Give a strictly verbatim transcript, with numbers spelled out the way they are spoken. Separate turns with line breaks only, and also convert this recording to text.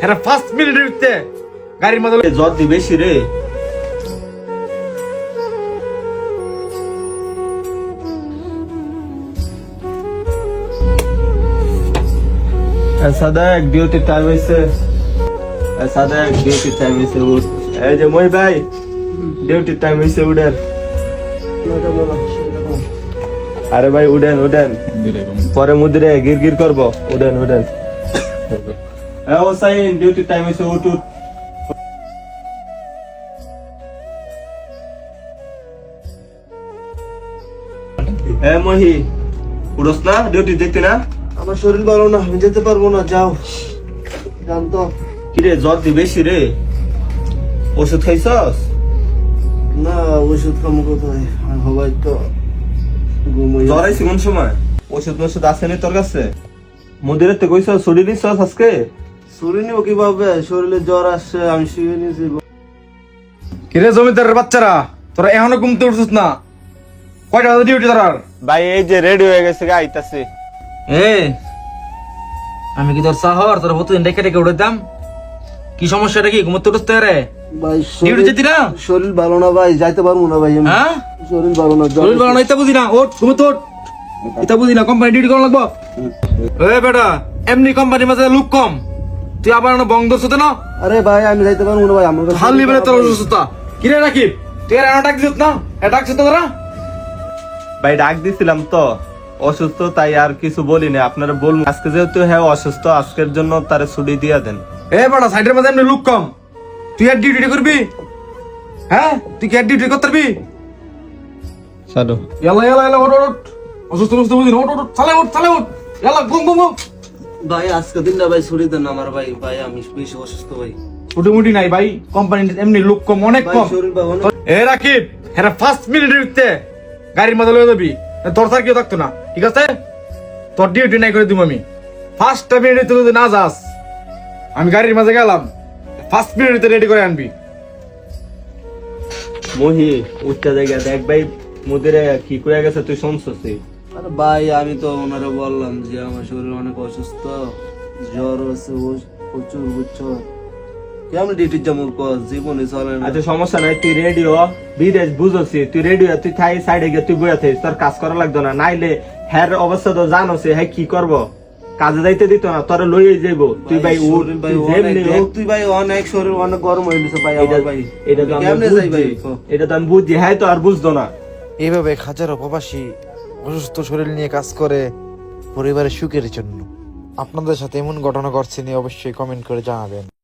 এরা ফার্স্ট মিনিটে উঠতে গাড়ির মধ্যে
জ্বর দি বেশি রে। সাদেক ডিউটি টাইম হয়েছে, সাদেক ডিউটি টাইম হয়েছে, উঠ। এই যে মই ভাই ডিউটি টাইম হয়েছে, উঠেন। আরে ভাই উঠেন উঠেন, পরে মুদিরে গির গির করবো, উঠেন উঠেন। ও সাইন ডিউটি টাইম হয়েছে, উঠ উঠ। এ মহি উড়স না, ডিউটি দেখতে না?
আমার শরীর ভালো না, আমি যেতে পারবো না, যাও জানতো।
কিরে জ্বর দি বেশি রে, ওষুধ খাইছস?
না ওষুধ খামো কোথায়, আর হবাই তো ঘুমোই।
জ্বর আইছে কোন সময়? ওষুধ ওষুধ আছে নি তোর কাছে? মন্দিরের তো কইছস ছুটি নিছস আজকে?
শরীর নিব কিভাবে, শরীরে জ্বর আসছে, আমি শুয়ে নিয়েছি।
কিরে জমিদারের বাচ্চারা, তোরা এখনো ঘুমতে উঠছিস না? কয়টা বাজে ডিউটি তোর?
ভাই এই যে রেডি হয়ে গেছে, আইতাছে।
এ আমি কি তোর শহর তোর প্রতিদিন ডেকে ডেকে উঠেতাম? কি সমস্যাটা কি? ঘুমতে উঠতে রে
ভাই
ডিউটি যেতি না?
শরীর ভালো না ভাই, যাইতে পারবো না ভাই আমি।
হ্যাঁ
শরীর ভালো না, জ্বর
শরীর ভালো না, এটা বুঝি না। ওঠ ঘুমতে ওঠ, এটা বুঝি না। কোম্পানি ডিউটি করা লাগবো। এ বেটা, এমনি কোম্পানির মাঝে লোক কম, তুই আবার না বন্ধ ধরতে না?
আরে ভাই আমি যাইতে পারবো না ভাই, আমার কাছে
হাল নিবে তোর অসুস্থতা। কিরে রাকিব, তুই আর ডাক দিস না? এটা ডাকছিস তো তোরা?
ভাই ডাক দিছিলাম তো, অসুস্থ তাই আর কিছু বলি না। আপনারা বলুন আজকে যেহেতু হ্যাঁ অসুস্থ, আজকের জন্য তারে ছুটি দিয়ে দেন।
এ বেটা, সাইডের মাঝে এমনি লোক কম, তুই আর ডিউটি করবি? হ্যাঁ তুই কি আর ডিউটি করতে পারবি?
সাধু
এলা এলা এলা ওঠ ওঠ, অসুস্থ অসুস্থ বুঝি না, ওঠ ওঠ, চালে ওঠ চালে ওঠ, এলা ঘুম ঘুম ঘুম।
ভাই আজকে দিনটা ভাই ছুটি দেন আমার ভাই, ভাই আমি বেশি অসুস্থ ভাই।
ছুটি মুটি নাই ভাই, কোম্পানি এমনি লোক কম, অনেক
ভাই
কম।
শরীর ভালো না।
এ রাকিব, হ্যাঁ ফার্স্ট মিনিটে উঠতে গাড়ির মধ্যে লয়ে যাবি, তোর স্যার কেউ থাকতো না, ঠিক আছে? তোর ডিউটি নাই করে দিব আমি। ফার্স্ট মিনিটে তুই যদি না যাস, আমি গাড়ির মাঝে গেলাম, ফার্স্ট মিনিটে রেডি করে আনবি।
মহি উচ্চা জায়গা দেখ ভাই, মুদিরে কি করে গেছে তুই শুনছস?
আরে ভাই আমি তো ওনারা বললাম যে আমার শরীর অনেক অসুস্থ, জ্বর আছে প্রচুর, বুঝছো? কেমন ডিউটির যাবো জীবনে চলে না।
আচ্ছা সমস্যা নাই, তুই রেডি হ, বিদেশ বুঝছি, তুই রেডি হ, তুই থাই সাইডে গিয়ে তুই বইয়া থাকিস, তোর কাজ করা লাগতো না। নাইলে হ্যার অবস্থা তো জানোস, হ্যাঁ কি করবো, কাজে যাইতে দিত না, তোরা লইয়ে যাইবো। তুই ভাই উঠ,
শরীর ভাই
তুই
অনেক,
যেমনি
দেখ
হোক।
তুই ভাই অনেক শরীর অনেক গরম হয়ে গেছে ভাই আমার ভাই।
এটা তো আমি
কেমনে যাই ভাই?
বুঝছি, এটা তো আমি বুঝছি, হ্যাঁ তো আর বুঝতো না।
এইভাবে হাজারো প্রবাসী অসুস্থ শরীর নিয়ে কাজ করে পরিবারের সুখের জন্য। আপনাদের সাথে এমন ঘটনা ঘটছে নিয়ে অবশ্যই কমেন্ট করে জানাবেন।